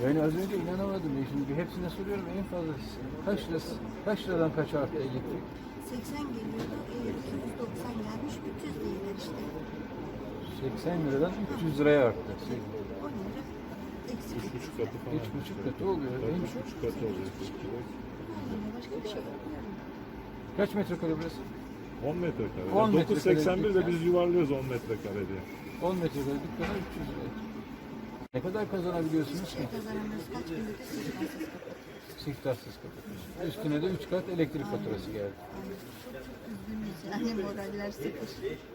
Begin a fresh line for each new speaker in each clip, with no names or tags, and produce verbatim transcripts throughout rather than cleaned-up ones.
Yani az önce inanamadım. Ya. Şimdi hepsine soruyorum en fazla kaç lirası, kaç liradan kaç arttı elektrik?
seksen geliyordu, e, iki yüz doksan gelmiş, üç yüz değiller işte.
seksen liradan üç yüz liraya arttı.
on lira eksik.
Üç buçuk katı falan.
Üç buçuk katı oluyor.
Tabii,
En
üç
çok.
buçuk katı oluyor.
Yani başka bir şey yapmıyorum.
Kaç metrekare burası?
on metrekare.
on
Yani dokuz seksen bir de
metrekare
biz yuvarlıyoruz on metrekare diye.
on metrekare dükkana üç yüz lira. Ne kadar kazanabiliyorsunuz ki?
Şey kazanamıyoruz, kaç gündür de sigarasız kapatıyoruz.
Siftahsız kapatıyorsunuz. Üstüne de üç kat elektrik faturası geldi.
Yani çok çok üzgünüz yani moraller sıfır.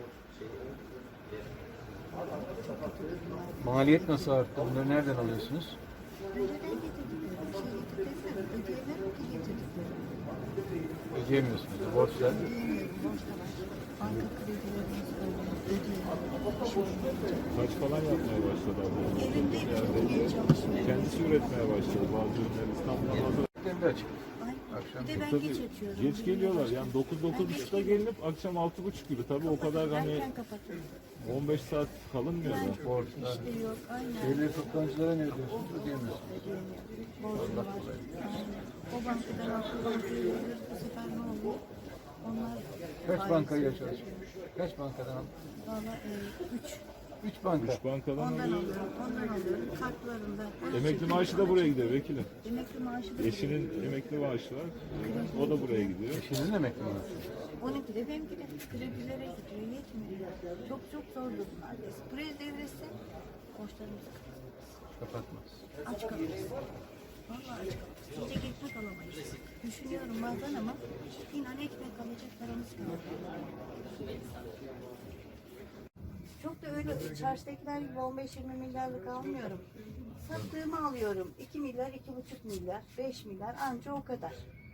Çok kötü durumlar.
Maliyet nasıl arttı? Bunları nereden alıyorsunuz?
Önceden getirdik, şey getirdik, ödeyemem ki getirdik.
Ödeyemiyorsunuz. Borçlar.
Ödeyemiyorum, borç da var. Banka kredilerimiz öyle, ödeyemiyorum.
Saç falan yapmaya başladı abla.
Evinde
Yani
tutmaya çalışıyorum.
kendisi üretmeye başladı bazı ürünleri İstanbul'da hazır.
Evlerinde açık.
Ay,
Akşam
bir de ben
Tabii
geç açıyorum.
geç geliyorlar yani dokuz dokuz
Ben geç
buçukta gelinip akşam altı buçuk gibi tabii o kadar hani
Erken kapatıyorum.
on beş saat kalınmıyor da.
Borçlar.
İşte yok, aynen.
Devlet toptancılara ne ödüyorsunuz? Ödeyemiyorsunuz.
Ödeyemiyorum. Borcum var. Aynen. O bankadan altı bankaya veriyoruz. Bu sefer ne oluyor? Onlar
Kaç
faiz
bankayla
veriyor.
çalışıyorsunuz? Kaç bankadan aldın?
Valla e, üç.
Üç banka.
Üç bankadan
Ondan
alıyor.
alıyorum. Ondan alıyorum. Kartlarında.
Emekli maaşı da buraya gidiyor vekilim.
Emekli maaşı da
Eşinin emekli maaşı var. O da buraya gidiyor.
Eşinizin emekli mi?
onunki de benimki de kredilere gidiyor. Yetmiyor. Çok çok zor durumlardayız. Buraya devrilse borçlarımızı
Kapatmaz.
aç kalırız. Vallahi aç kalırız. Yiyecek ekmek alamayız. Düşünüyorum bazen ama inan ekmek alacak paramız kalmıyor. Çok da öyle çarşıdakiler gibi on beş yirmi milyarlık almıyorum. Sattığımı alıyorum. iki milyar, iki buçuk milyar, beş milyar anca o kadar.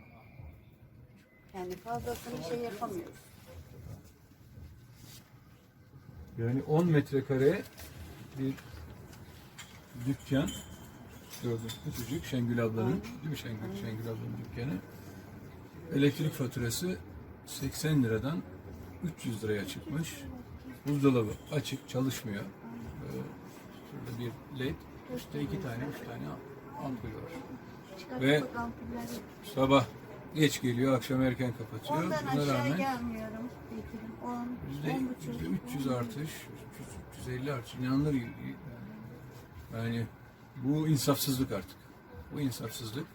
Yani fazlasını şey yapamıyoruz.
Yani on metrekare bir dükkan. Gördüğünüz küçücük Şengül ablanın, değil mi Şengül? Şengül ablanın dükkanı. Elektrik faturası seksen liradan üç yüz liraya çıkmış. Buzdolabı açık, çalışmıyor. Ee, şurada bir led, işte iki tane, üç tane ampul var. Ve
Çıkartıp ampuller
sabah geç geliyor, akşam erken kapatıyor.
ondan
Buna
aşağı
rağmen
gelmiyorum. Bekir'im. on,
yüzde
on buçuk.
yüzde üç yüz artış, üç yüz, üç yüz elli artış. İnanılır gibi. Yani bu insafsızlık artık. Bu insafsızlık.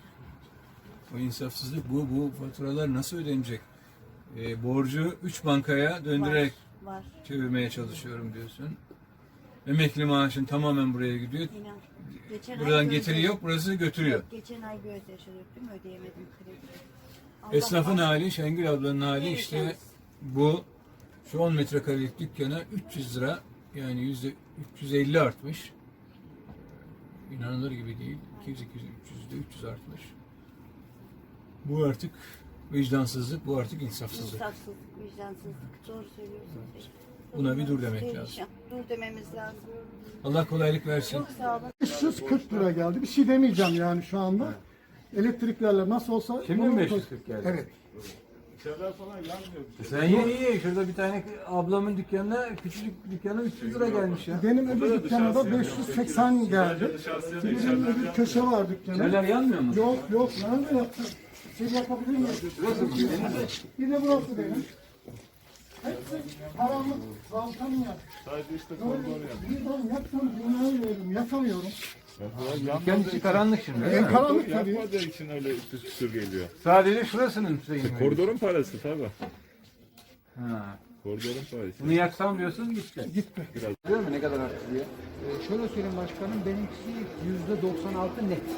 Bu insafsızlık, bu bu faturalar nasıl ödenecek? Ee, borcu üç bankaya döndürerek
Var, var.
çevirmeye çalışıyorum diyorsun. Emekli maaşın tamamen buraya gidiyor.
İnan. Geçen
Buradan
ay
getiri
gözyaşı-
yok, burası götürüyor.
Yok, geçen ay gözyaşı döktüm, ödeyemedim krediyi. Allah
Esnafın
Allah.
hali, Şengül ablanın hali
Evet,
işte
evet.
bu. Şu on metrekarelik dükkana üç yüz lira, yani yüzde üç yüz elli artmış. İnanılır gibi değil. iki yüz, iki yüz, üç yüzde üç yüz artmış. Bu artık vicdansızlık, bu artık insafsızlık.
İnsafsızlık, vicdansızlık. Doğru söylüyorsunuz.
Buna bir dur demek
Perişan.
lazım.
Dur dememiz lazım.
Allah kolaylık versin.
Çok sağ olun.
beş yüz kırk lira geldi. Bir şey demeyeceğim yani şu anda. Elektriklerle nasıl olsa...
Şimdi mi
bunu-
beş yüz kırk geldi?
Evet.
İçeriler falan yanmıyor.
Sen ye ye. Şurada bir tane ablamın dükkanına, küçücük dükkana üç yüz lira gelmiş ya.
Benim öbür dükkana da beş yüz seksen geldi. Bir de benim öbür köşe var dükkanı.
Neler yanmıyor mu?
Yok yok. Nerede yaptın? Şey yapabilir miyim? Bir de burası benim. Hepsi karanlık. Balkan ya.
Sadece işte koridor yanıyor.
Bir ben yaksam dünyayı veririm. Yakamıyorum.
Dükkan içi karanlık şimdi. öyle
En
mi?
karanlık tabii.
Yapmadığı için öyle küsür küsür geliyor.
Sadece şurasının şeyini.
Koridorun parası tabii.
Ha.
Koridorun parası.
Bunu yaksam diyorsun gitti.
Gitti.
Biliyor musun ne kadar arttı diye?
Ee, şöyle söyleyeyim başkanım, benimkisi yüzde doksan altı net.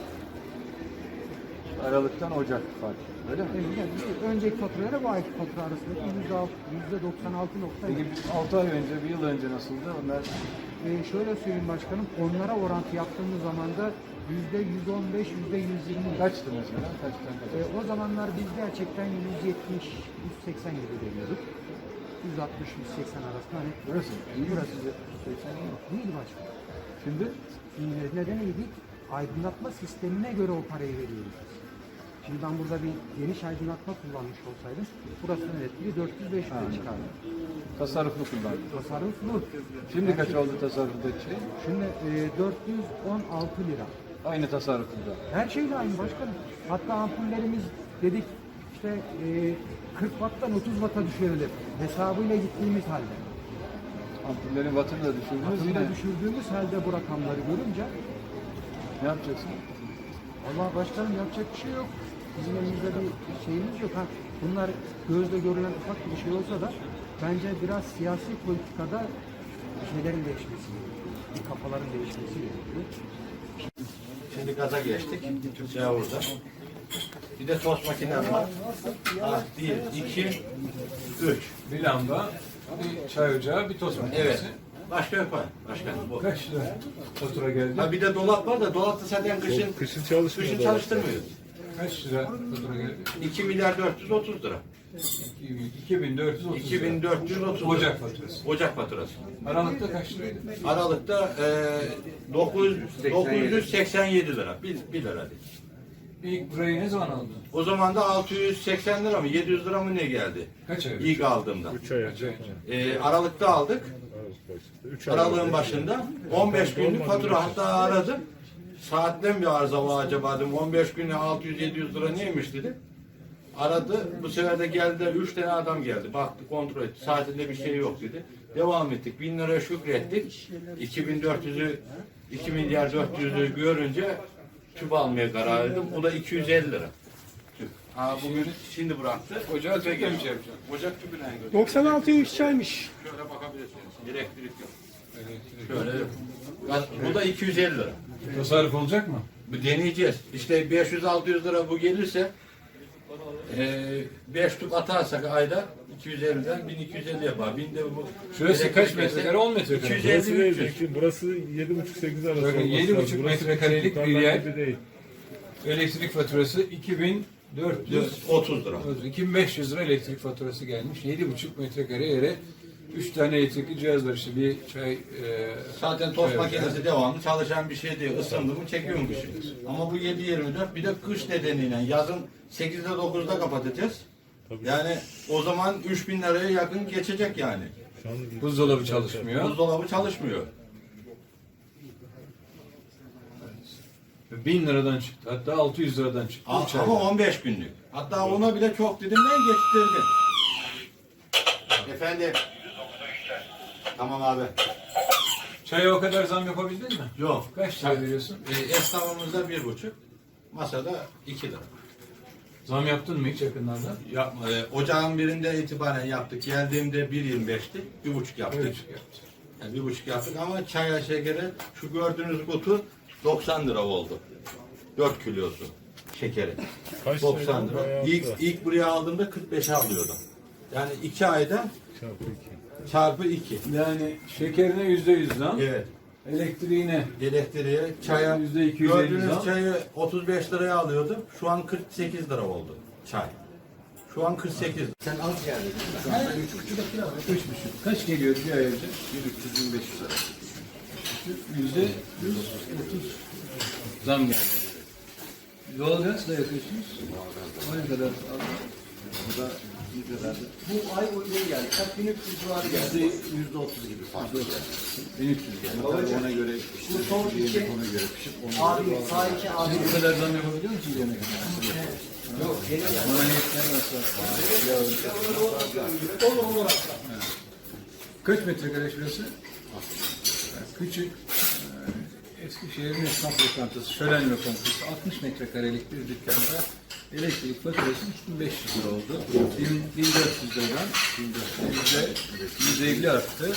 Aralıktan Ocak farkı. Öyle mi?
Yani, yani önceki faturayla bu ayki fatura arasındaki yüzde doksan altı nokta
Peki
yedi.
altı ay önce, bir yıl önce nasıldı? Onlar
Ee, şöyle söyleyeyim başkanım, onlara orantı yaptığımız zaman da yüzde yüz on beş, yüzde yüz yirmi.
kaçtı mesela? Kaçtan kaç?
Ee, o zamanlar biz gerçekten yüz yetmiş, yüz seksen gibi veriyorduk. yüz altmış, yüz seksen arasında. Hani
Burası. İyi
burası
burası. seksen iyi.
değil başkanım.
Şimdi
Şimdi neden iyiydik? Aydınlatma sistemine göre o parayı veriyoruz. Şimdi ben burada bir geniş aydınlatma kullanmış olsaydım, burasının elektriği dört yüz beş yüze çıkardı.
tasarruflu kullandı.
Tasarruf bu.
Şimdi kaç oldu tasarruflu şey?
Şimdi e, dört yüz on altı lira.
aynı tasarrufunda.
Her şeyle aynı başkanım. Hatta ampullerimiz dedik işte e, kırk watttan otuz watt'a düşürülür. Hesabıyla gittiğimiz halde.
Ampullerin wattını da düşürdünüz
Wattını
yine.
da düşürdüğümüz halde bu rakamları görünce
Ne yapacaksın?
Allah başkanım yapacak bir şey yok. Bizim elimizde bir şeyimiz yok. Ha, bunlar gözle görülen ufak bir şey olsa da bence biraz siyasi politikada şeylerin değişmesi gerekiyor. Bir kafaların değişmesi gerekiyor.
Şimdi gaza geçtik. Türkçe burada. Bir de tost makinem var. Ah, bir, iki, üç.
Bir lamba, bir çay ocağı, bir tost makinesi.
Evet. Başka yok var. Başka bu.
Kaç lira fatura geldi?
Ha bir de dolap var da dolapta zaten kışın
Kışın çalışmıyor.
kışın çalıştırmıyoruz.
Kaç lira fatura geldi?
iki milyar dört yüz otuz lira.
iki bin dört yüz otuz
iki bin dört yüz otuz lira.
Ocak faturası.
Ocak faturası.
Aralıkta kaç liraydı?
Aralıkta e, dokuz yüz seksen yedi lira. bir, bir lira değil.
İlk burayı ne zaman aldın?
O zaman da altı yüz seksen lira mı yedi yüz lira mı ne geldi?
Kaç ay önce?
İlk aldığımda.
üç ay
Kaç ay
önce.
önce?
E, Aralıkta aldık.
üç ay
Aralığın
önce.
başında on beş günlük fatura, hatta aradım. Saatten bir arıza var acaba dedim. on beş güne altı yüz yedi yüz lira neymiş dedi. Aradı. Bu sefer de geldi. Üç tane adam geldi. Baktı, kontrol etti. Saatinde bir şey yok dedi. Devam ettik. Bin liraya şükrettik. iki bin dört yüzü iki milyar dört yüzü görünce tüp almaya karar verdim. O da iki yüz elli lira. Tüp. Ha, bugün şimdi bıraktı.
Ocağı tüple mi şey yapacaksın?
Ocak tüpüne götürdü.
doksan altı yüz çaymış.
Şöyle bakabilirsiniz. Elektrik yok. Şöyle yok. Bu da iki yüz elli lira.
Tasarruf olacak mı?
Bu deneyeceğiz. İşte beş yüz altı yüz lira bu gelirse e, beş tüp atarsak ayda iki yüz elliden bin iki yüz elli yapar. Bin de bu.
Şurası kaç metrekare? on metrekare.
iki yüz
Burası
elli
değil,
üç yüz.
çünkü burası yedi buçuk sekiz arası
Bakın
olması
yedi
lazım.
buçuk
Burası
metrekarelik
küçük
bir
tutarlar
yer.
gibi değil.
Elektrik faturası iki bin dört yüz
otuz lira.
iki bin beş yüz lira elektrik faturası gelmiş. yedi buçuk metrekare yere üç tane elektrikli cihaz var işte bir çay e,
Zaten tost
çay ocağı.
makinesi devamlı çalışan bir şey değil. Isındı mı çekiyor mu kışın? Ama bu yedi yirmi dört, bir de kış nedeniyle yazın sekizde dokuzda kapatacağız. Yani o zaman üç bin liraya yakın geçecek yani.
Şu an
Buzdolabı çalışmıyor.
Buzdolabı çalışmıyor.
bin liradan çıktı. Hatta altı yüz liradan çıktı.
A-
üç ayda.
Ama on beş günlük. Hatta ona bile çok dedim ben geçtirdim. Efendim. Tamam abi.
Çaya o kadar zam yapabildin mi?
Yok.
Kaç lira veriyorsun?
E, esnafımızda bir buçuk. Masada iki lira.
Zam yaptın mı hiç yakınlarda?
Yapma. E, ocağın birinde itibaren yaptık. Geldiğimde bir yirmi beşti. Bir buçuk yaptık.
Bir buçuk yaptı.
Yani bir buçuk yaptık ama çaya şekeri şu gördüğünüz kutu doksan lira oldu. dört kilosu şekeri.
kaç
doksan
lira?
lira.
Bayağı
İlk,
da.
ilk buraya aldığımda kırk beşe alıyordum. Yani iki ayda
Çarpı iki.
çarpı iki.
Yani şekerine yüzde yüz zam.
Evet.
Elektriğine
Elektriğe, çaya,
Yüzde iki yüz elli
gördüğünüz
zam.
çayı otuz beş liraya alıyordum. Şu an kırk sekiz lira oldu çay. Şu an kırk sekiz. Sen az geldin.
üç buçuk. Kaç geliyor bir ay önce?
bir üç yüz beş yüz lira.
Yüzde yüz otuz zam geldi. Doğalgaz da yakıyorsunuz. O ne kadar?
Bu da ne kadardı? Bu ay uygun geldi. Kaç bin üç yüz civarı geldi. Yüzde otuz gibi farklı geldi.
bin üç yüz geldi.
Ona göre pişirip, bu son iki, ona göre pişirip, ona
Abi sağ iki abi.
Siz bu kadar zam yapabiliyor musunuz yemek? Yok. Maliyetler nasıl? Kaç metrekare şurası? Küçük. e, Eskişehir'in esnaf lokantası, şölen lokantası. altmış metrekarelik bir dükkanda elektrik faturası üç bin beş yüz lira oldu. bin dört yüz liradan yüzde yüz elli arttı.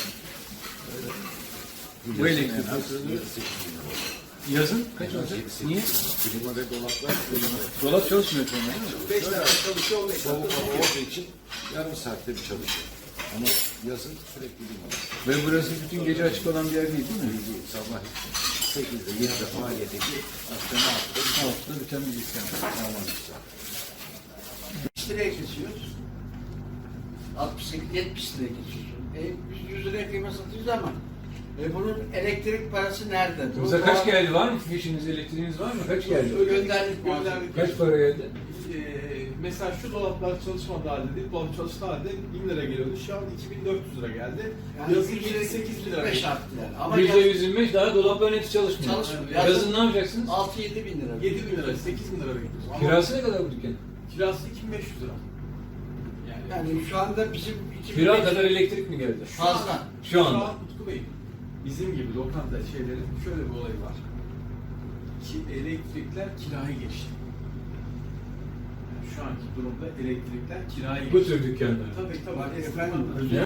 Bu elektrik faturası yazın kaç olacak? Niye?
klima ve dolaplar
Dolap çalışmıyor sonra değil mi?
beş saat çalışıyor, beş saat olduğu için yarım saatte bir çalışıyor. Ama yazın sürekli klima var.
Ve burası bütün gece açık olan bir yer değil değil mi?
Sabah sekizde, yedide faaliyete gir, akşam altıda
Altıda biten bir dükkan.
Aman güzel.
yetmiş liraya kesiyoruz. altmış sekiz yetmiş liraya kesiyoruz. E, biz yüz liraya kıyma satıyoruz ama e, bunun elektrik parası nerede? Bu
Bize kaç
doğal-
geldi var mı? Fişiniz, elektriğiniz var mı? Kaç geldi?
Gönderdik, gönderdik.
Kaç para geldi?
E,
mesela şu dolaplar çalışmadığı halde değil, dolap çalıştığı halde bin lira geliyordu. Şu an iki bin dört yüz lira geldi.
Yani
Yazın
yüzde
yedi sekiz lira.
beş arttı yani. Ama
Yüzde
yaz-
yüz yirmi beş daha dolapların hepsi çalışmıyor.
Çalışmıyor.
Yazın,
Yazın-
ne yapacaksınız?
altı yedi bin lira.
yedi bin lira, sekiz bin lira bekliyoruz. Ama
Kirası ne kadar bu dükkan?
kirası iki bin beş yüz lira. Yani,
Yani şu anda bizim iki bin
Kira
beş-
kadar elektrik mi geldi?
fazla.
Şu
Şu
anda.
an Utku Bey, bizim gibi lokanta şeylerin şöyle bir olayı var. Ki elektrikler kiraya geçti. Yani şu anki durumda elektrikler kiraya geçti.
Bu tür dükkanlar.
Tabii tabii.
Bak
Esnaflar-
efendim,
Ya.